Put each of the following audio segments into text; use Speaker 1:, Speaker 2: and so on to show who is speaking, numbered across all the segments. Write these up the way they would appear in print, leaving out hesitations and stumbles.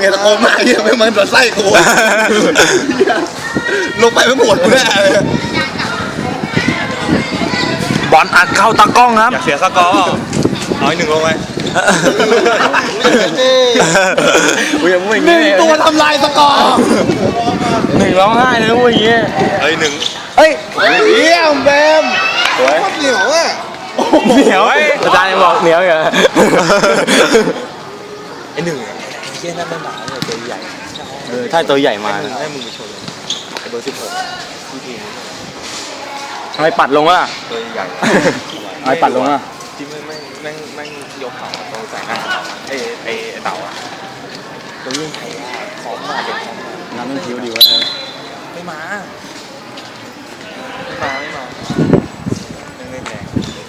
Speaker 1: ตะโกนมาเฮียไม่เหมือนตัวไส้กูลงไปไม่หมดแน่เลย
Speaker 2: บอลอัดเข้าตากล้องครับ
Speaker 3: อยากเสียสกอร์เอา1ลงไป
Speaker 1: หนึ่งตัวทำลายสกอร์
Speaker 2: 1ร้องไห้เลยว่าอย่างเงี้ย
Speaker 3: เฮ้ย1
Speaker 1: เฮ้ยเยี่ยมแบมสวยเหนียวอ่ะ
Speaker 2: เหนียวอาจารย์ยังบอกเหนียวอยู่
Speaker 3: ไอ้1เฮียนั่นไม่มาเลยตัวใหญ่
Speaker 2: ถ้าตัวใหญ่มา
Speaker 3: ให้มึงไปชนเลยเบอร์16ที่ทีม
Speaker 2: ทำไมปัดลงวะ
Speaker 3: ตัวใหญ่
Speaker 2: ทำไมปัดลงอ่ะ
Speaker 3: ที่ไม่ยกเขาตรงใส่หน้าไอ้เต่าอ่ะตัวยิ่งไทยพร้อมมาเด็กพร้อมมา
Speaker 2: น้ำมันผิวดีวะ
Speaker 3: ไม่มาไม่แรง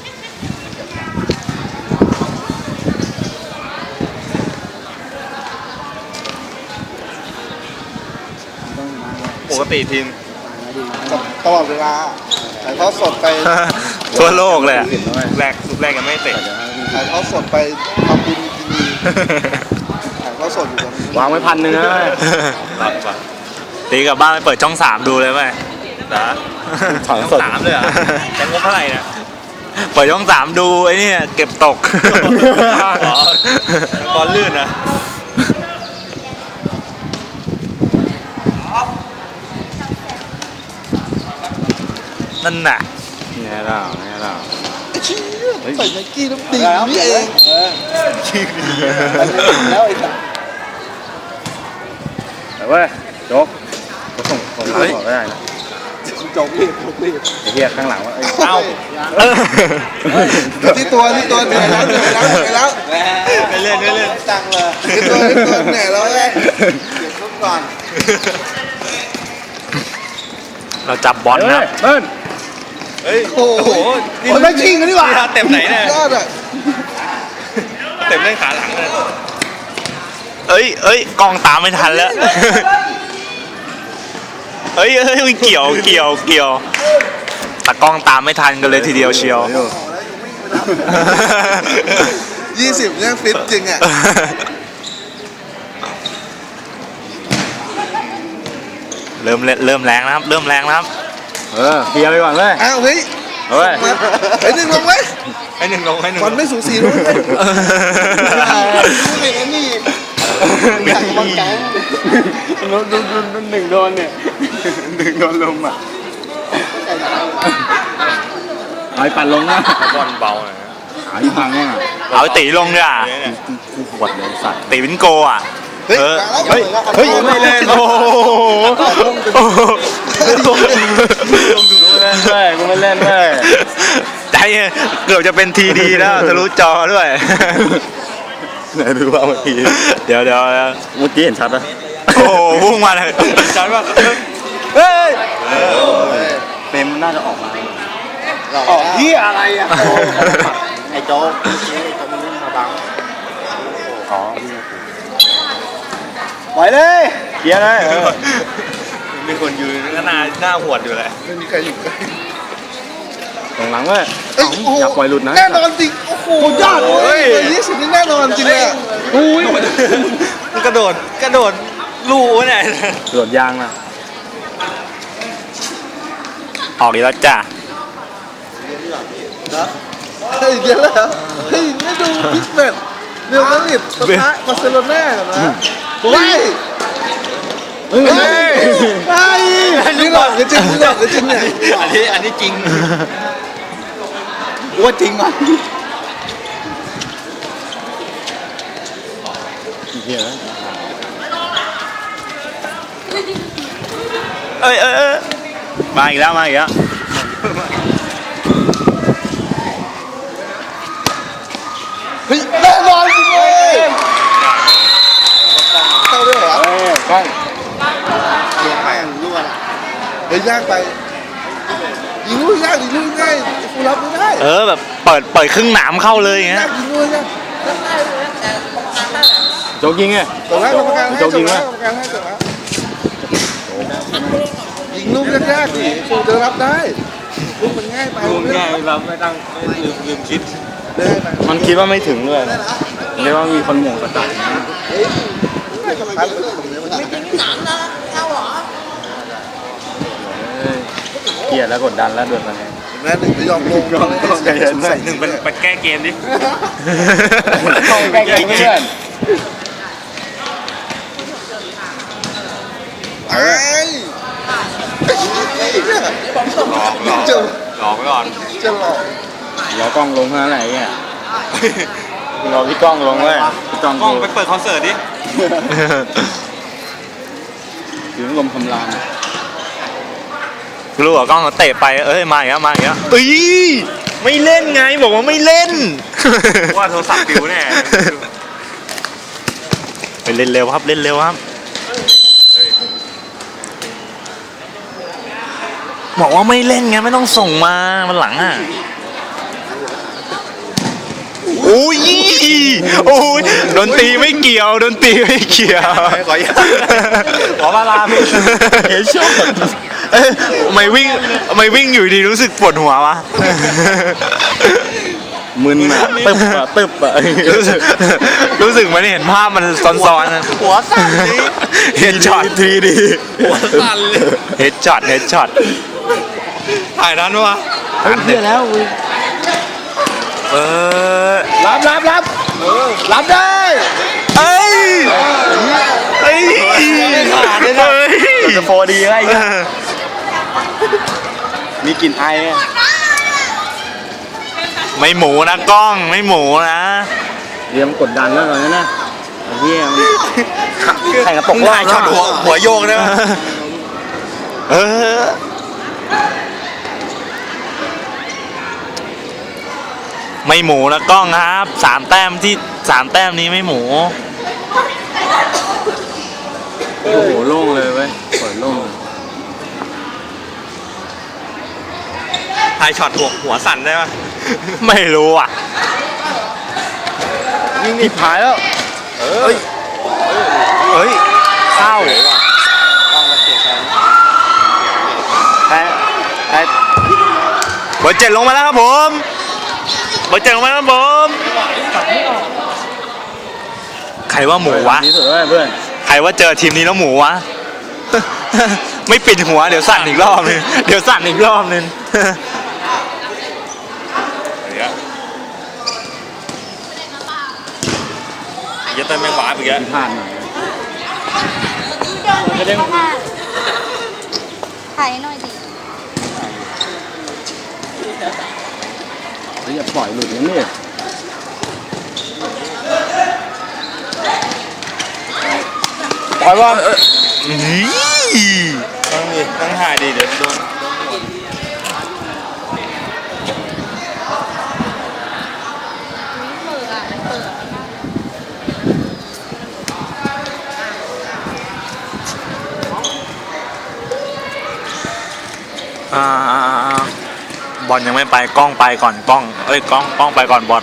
Speaker 3: ปกติทีม
Speaker 1: ตลอดเวลาถ่ายทอดสดไป
Speaker 2: ทั่วโลกเลย
Speaker 3: ลูกแรกยังไม่เตะ
Speaker 1: ถ่ายทอดสดไปทำบุญกินดีถ่ายทอดสดอยู่ตรงนี้
Speaker 2: วางไว้1,000นะตีกลับบ้านไปเปิดช่อง3ดูเลยไหม
Speaker 3: นะช่อง3เลยอ่ะแต่งบเท่าไหร่เนี่ย
Speaker 2: เปิดช่อง3ดูไอ้นี่เก็บตก
Speaker 3: บอลลื่นนะ
Speaker 2: นั่นน่ะเนี่ยเรา
Speaker 1: ใส่ไนกี้น้ำดีนี่เองแล้วไอ้สัส
Speaker 2: แต่ว่าโจ๊กส่งไม่ได้นะ
Speaker 1: โจ๊กรีบ
Speaker 2: เฮียข้างหลังว่า
Speaker 3: เอ้า
Speaker 1: ที่ตัวเหนื่อยแล้ว
Speaker 3: ไม่เล่น
Speaker 1: จังเลยที่ตัวเหนื่อยแล้วเลยเก็บลูกก่อน
Speaker 2: เราจับบอลนะ
Speaker 1: เบิ้ล
Speaker 3: เฮ้ย
Speaker 1: โอ้โหคนไม่ชิงกันดีกว่า
Speaker 3: เต็มไหนเนี่ย
Speaker 1: ยอดอ่ะ
Speaker 3: เต็มเล่นขาหลังเลย
Speaker 2: กองตามไม่ทันแล้วเกี่ยวแต่กล้องตามไม่ทันกันเลยทีเดียวเชียว
Speaker 1: 20เนี่ยฟิตจริงอ่ะ
Speaker 2: เริ่มแรงนะครับเคลียร์ไปก่อนเลย
Speaker 1: อ้าวเฮ้ยไอ้หนึ่งลงไว้บอลไม่สูสีเลยไม่เห็นนี่อยากบอลแกง
Speaker 2: หนึ่งโดนเนี่ย1โดนลมอ่ะเอาปั่นลงนะ
Speaker 3: บอลเบาหน่อย
Speaker 2: ขาที่พังเนี่ยเอาตีลงเนี่ยกูปวดเลยสัตว์ตีเป็นโกอ่ะ
Speaker 1: เฮ้ย
Speaker 2: ไม่เล่นโอ้โหกูไม่เล่นเลยใจเกือบจะเป็นทีดีแล้วทะลุจอด้วยไหนดูว่าเมื่อกี้เดี๋ยวเมื่อกี้เห็นชัดปะโอ้โหพุ่งมาเลย
Speaker 3: ชัดปะ
Speaker 2: เฮ้ยเฟรมน่าจะออกมา
Speaker 1: ออกที่อะไรอ่ะ
Speaker 3: ไอ้โจ๊กมันวิ่งมาบัง
Speaker 2: ปล่อยเลยเคลียร์เลย
Speaker 3: มีคนยืนหน้าหวดอยู่เลย
Speaker 1: ไม่มีใครอยู่ใกล้
Speaker 2: ตรงหลังเว้ยอยากปล่อยหลุดนะ
Speaker 1: แน่นอนจริงโอ้โหยอดเลย20นี่แน่นอนจริงเลย
Speaker 3: มันกระโดดลู่เนี่ย
Speaker 2: กระโดดยางนะออกอีกแล้วจ้ะ
Speaker 1: เฮ้ยเยอะแล้วเฮ้ยไม่ดูพิสเบตเรียวมาดริดปะทะบาร์เซโลน่านะเฮ้ยนี่หรอจริงเนี่ย
Speaker 3: อันนี้จริง
Speaker 1: ว่าจริงมั้ย
Speaker 2: มาอีกแล้ว
Speaker 1: เฮ้ยแน่นอนจริงเลยเข้าด้วยเหรอใช่ลงไปรั่วละเฮ้ยยากไปยิงลูกยากยิงลูกง่ายกูรับไม่ได้
Speaker 2: แบบเปิดครึ่งหนามเข้าเลยอย่างเงี้ย
Speaker 1: ยิงลูกยาก
Speaker 2: โจ๊กยิงไง
Speaker 1: ตกแล้วกรรมการให้จบแล้วยิงลูกยากดิกูจะรับได้ลูกมันง่ายไป
Speaker 3: ลูกง่ายรับไม่ต้องลืมคิด
Speaker 2: มันคิดว่าไม่ถึงด้วยเรียกว่ามีคนหม่งกระต่าย
Speaker 1: ง
Speaker 2: เกลียดแล้วกดดันแล้วด้วยตอนนี้
Speaker 1: แม่หนึ่งไม่ยอมลง
Speaker 2: ใจเย็นหน่อย
Speaker 3: หนึ่งเป็นแก้เกมดิ
Speaker 2: ใกล้ๆเพื่อน
Speaker 1: ไอ้จะ
Speaker 3: หลอกไว้ก่อน
Speaker 1: จะหลอก
Speaker 2: รอกล้องลงเท่านั้นแหละไอ้เนี่ยรอพี่กล้องลงเว้ยพี่กล้อง
Speaker 3: กล้องไปเปิดคอนเสิร์ตดิ
Speaker 2: ถึงลมคำราม
Speaker 4: รู้เหรอกล้องเตะไปเอ้ยมาอีกแล้วมาอีกแล้วเอ้ยไม่เล่นไงบอกว่าไม่เล่น
Speaker 3: ว่าโทรศัพท์ปิวแน่
Speaker 4: ไปเล่นเร็วครับเล่นเร็วครับบอกว่าไม่เล่นไงไม่ต้องส่งมามันหลังอ่ะโอ้ยโอ้ยดนตรีไม่เกี่ยวดนตรีไม่เกี่ยว
Speaker 3: ขอมาลาพี่
Speaker 4: เฮ้ยชอบทำไมวิ่งอยู่ดีรู้สึกปวดหัววะ
Speaker 2: มึนอ่ะตึบอ่ะ
Speaker 4: รู้สึกมันเห็นภาพมันซ้อนๆนะ
Speaker 3: หัวสั่นดิ
Speaker 4: เฮดช็อต
Speaker 2: ทีดี
Speaker 3: หัวสั่นเลย
Speaker 4: เฮดช็อต
Speaker 3: ถ่ายนั้นวะ
Speaker 2: เฮ้ยเพื่อแล้ว
Speaker 4: เออ
Speaker 2: รับรับได้
Speaker 4: เอ้ยเอ้ย
Speaker 2: ขาดเลยนะจะโฟดีไงมีกลิ่นไอ
Speaker 4: ไม่หมูนะกล้องไม่หมูนะ
Speaker 2: เรียมกดดันแล้วตอนนี้นะไอ้เหี้ยมันแข่งกับตกรอบ
Speaker 3: ช็อตหัวโยกได้ไหม
Speaker 4: เออไม่หมูนะกล้องครับ3 แต้มนี้ไม่หมู
Speaker 2: โอ้โหโล่งเลยเว้ยเปิดโล่ง
Speaker 3: ถ่ายช็อตหัวสั่นได้ไหม
Speaker 4: ไม่รู้อ่ะ
Speaker 2: ยิงนี่ผายแล้ว
Speaker 4: เฮ้ยเข้า
Speaker 2: แพ้แพ้
Speaker 4: เบอร์ 7ลงมาแล้วครับผมเบอร์ 7ลงมาแล้วครับผมใครว่าหมูวะ
Speaker 2: ที่สุดเลยเพื่อน
Speaker 4: ใครว่าเจอทีมนี้แล้วหมูวะ ไม่ปิดหัวเดี๋ยวสั่นอีกรอบนึงเดี๋ยวสั่นอีกรอบนึง
Speaker 3: อย่าเต้นแมงวาไปแก
Speaker 2: พลาดหน่อย
Speaker 5: ถ่ายหน่อยดิ
Speaker 2: เฮ้ยอย่าปล่อยหลุดนะนี่
Speaker 4: ปล่อยว่า
Speaker 3: ตั้งถ่ายดีเดี๋ยวโดน
Speaker 5: เปิดอ่ะเปิด
Speaker 4: บอลยังไม่ไปกล้องไปก่อนกล้องเอ้ยกล้องไปก่อนบอล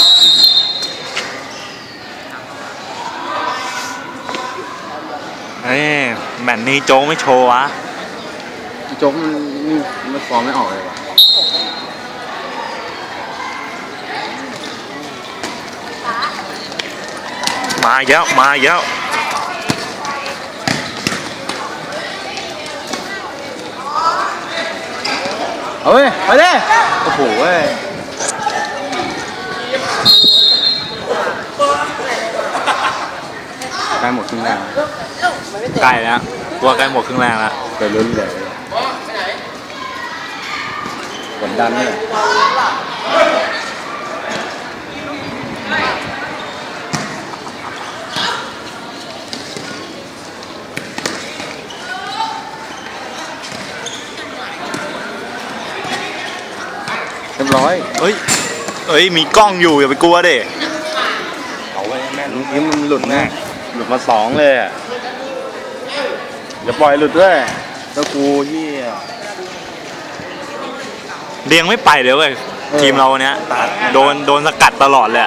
Speaker 4: เฮ้ยแมตช์นี้โจ๊กไม่โชว์วะ
Speaker 2: โจ๊กมันฟอร์มไม่ออกเลยว่ะ
Speaker 4: มาอีกแล้วมาอีกแล้ว
Speaker 2: เอาเว้ยไปดิโอ้โหเว้ยใกล้หมดครึ่งแรก
Speaker 4: ใกล้แล้วตัวใกล้หมดครึ่งแรกแล้ว
Speaker 2: เกิดลุ้นเลยกดดันเลยเรียบร้อย
Speaker 4: เอ้ยมีกล้องอยู่อย่าไปกลัวดิ
Speaker 2: เอาไว้แม่นนี้มันหลุดแน่หลุดมา2เลยอ่ะอย่าปล่อยหลุดด้วยแล้วกูเหี้ย
Speaker 4: เรียงไม่ไปเลยเว้ยทีมเราเนี้ยโดนสกัดตลอดเลยอะ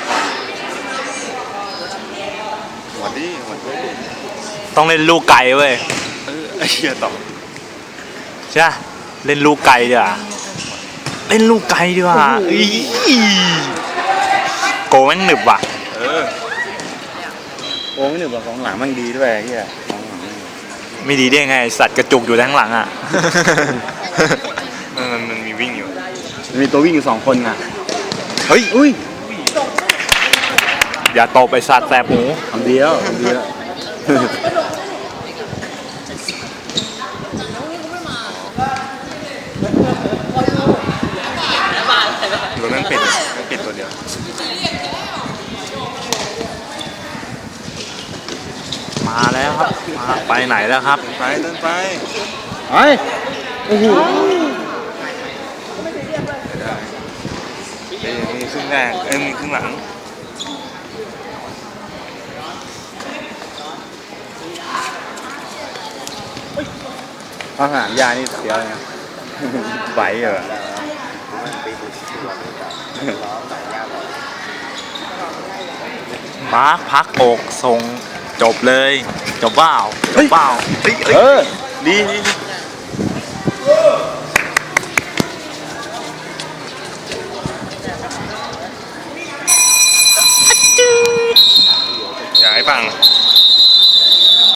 Speaker 3: หัวดิหัวดิ
Speaker 4: ต้องเล่นลูกไก่เว้ย
Speaker 3: ไอ้เหี้ยต่อ
Speaker 4: ใช่ปะเล่นลูกไก่ดีกว่าเล่นลูกไก่ดีกว่าอี๋โกแม่งหนึบว่ะ
Speaker 2: โอ้ไม่หนึบหรอกของหลังมันดีด้วยไอ้เฮียของหลัง
Speaker 4: ไม่ดีได้ไงสัตว์กระจุกอยู่ทั้งหลังอ่ะ
Speaker 3: มันมีวิ่งอยู่
Speaker 2: มันมีตัววิ่งอยู่2 คนอ่ะ
Speaker 4: เฮ้ย
Speaker 2: อุ้ย
Speaker 4: อย่าตบไปสัตว์แสบหู
Speaker 2: ทำดีแล้วทำดีแล้ว
Speaker 3: รถแม่งปิดตัวเดียว
Speaker 4: มาแล้วครับมาไปไหนแล้วครับ
Speaker 3: ไปเดินไป
Speaker 2: ไอ้โอ้โห
Speaker 3: มีครึ่งแรกมีครึ่งหลัง
Speaker 2: อาหารยานี่เสียเลยนะไหวเหรอ
Speaker 4: มาร์คพักอกส่งจบเลยจบเปล่าจบเปล่า
Speaker 2: เออดีดี
Speaker 3: อย่าให้ฟัง